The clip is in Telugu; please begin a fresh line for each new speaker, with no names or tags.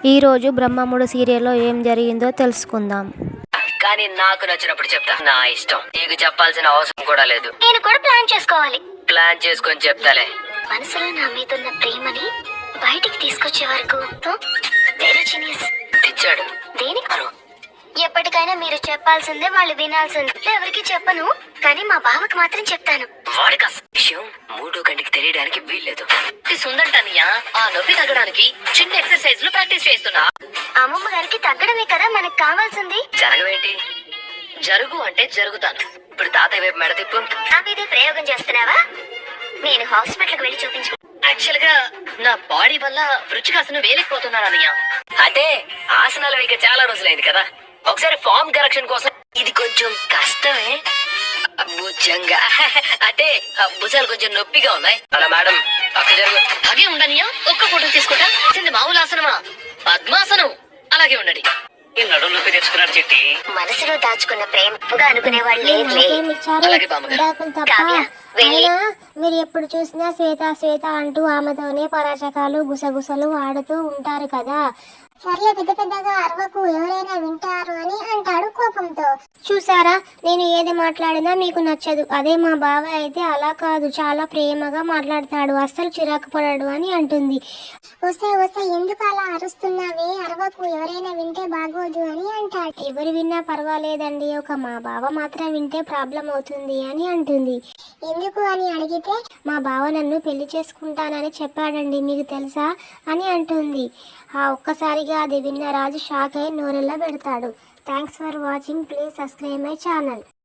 ఈరోజు బ్రహ్మముడు సీరియల్లో ఏం జరిగిందో తెలుసుకుందాం.
కానీ నాకు నచ్చినప్పుడు చెప్తా. నా ఇష్టం. నీకు చెప్పాల్సిన అవసరం కూడా లేదు.
నేను కూడా ప్లాన్ చేసుకోవాలి.
ప్లాన్ చేసుకొని చెప్తాలే.
మనసులో నా మీదున్న ప్రేమని బయటికి తీసుకొచ్చే వరకు వేరే జీనియస్
తెచ్చాడు.
దేనికి? ఎప్పటికైనా మీరు చెప్పాల్సిందే, వాళ్ళు వినాల్సిందే. ఎవరికి చెప్పను, కానీ మా బావకు మాత్రం చెప్తాను.
వాడికి అసలు విషయం మూడో కంటికి తెలియడానికి వీల్లేదు.
సుందర్టనియా ఆ నొప్పి తగ్గడానికి చిన్న ఎక్సర్సైజ్ లు ప్రాక్టీస్ చేస్తున్నా.
అమ్మమ్మ గారికి తగ్గడమే కదా మనకు కావాల్సింది.
జరగవేంటి?
జరుగు అంటే జరుగుతాను.
ఇప్పుడు తాతయ్య వైపు మెడ తిప్పు.
నా మీదే ప్రయోగం చేస్తున్నావా? నేను హాస్పిటల్కి వెళ్ళి చూపించు.
యాక్చువల్ గా నా బాడీ వల్ల వృచ్చికాసనం వేలేకపోతున్నాను అన్నయ్య.
అంటే ఆసనాలు వేయక చాలా రోజులైంది కదా. ఒకసారి ఫామ్ కరెక్షన్ కోసం ఇది కొంచెం కష్టమే. భుజంగా అంటే భుజాలు కొంచెం నొప్పిగా ఉన్నాయి. అలా మేడం పక్క జరుగు.
అలాగే ఉండనియా, ఒక్క ఫోటో తీసుకుంటా. మామూలు ఆసనమా? పద్మాసనం. అలాగే ఉండండి.
నడుము నొప్పి తెచ్చుకున్నాడు చెట్టి.
మనసులో దాచుకున్న ప్రేమగా అనుకునే వాళ్ళు లేదులే.
అలాగే బామ్మగారు.
కావ్య, వెళ్ళి
మీరు ఎప్పుడు చూసినా శ్వేత శ్వేత అంటూ ఆమెతోనే పరాచకాలు గుసగుసలు ఆడుతూ ఉంటారు కదా. సర్లే, పెద్ద పెద్దగా అరవకు, ఎవరైనా వింటారు అని అంటాడు కోపంతో. చూసారా, నేను ఏది మాట్లాడినా మీకు నచ్చదు. అదే మా బావ అయితే అలా కాదు, చాలా ప్రేమగా మాట్లాడతాడు, అస్సలు చిరాకు పడాడు అని అంటుంది. వస్తే వస్తే ఎందుకు అలా అరుస్తున్నావే, అరవకు, ఎవరైనా వింటే బాగోదు అని అంటాడు. ఎవరు విన్నా పర్వాలేదండి, ఒక మా బావ మాత్రం వింటే ప్రాబ్లం అవుతుంది అని అంటుంది. ఎందుకు అని అడిగితే మా బావ నన్ను పెళ్లి చేసుకుంటానని చెప్పాడండి, మీకు తెలుసా అని అంటుంది. ఆ ఒక్కసారిగా అది విన్న రాజు షాక్ అయి నోరెల్లా పెడతాడు. Thanks for watching. Please subscribe my channel.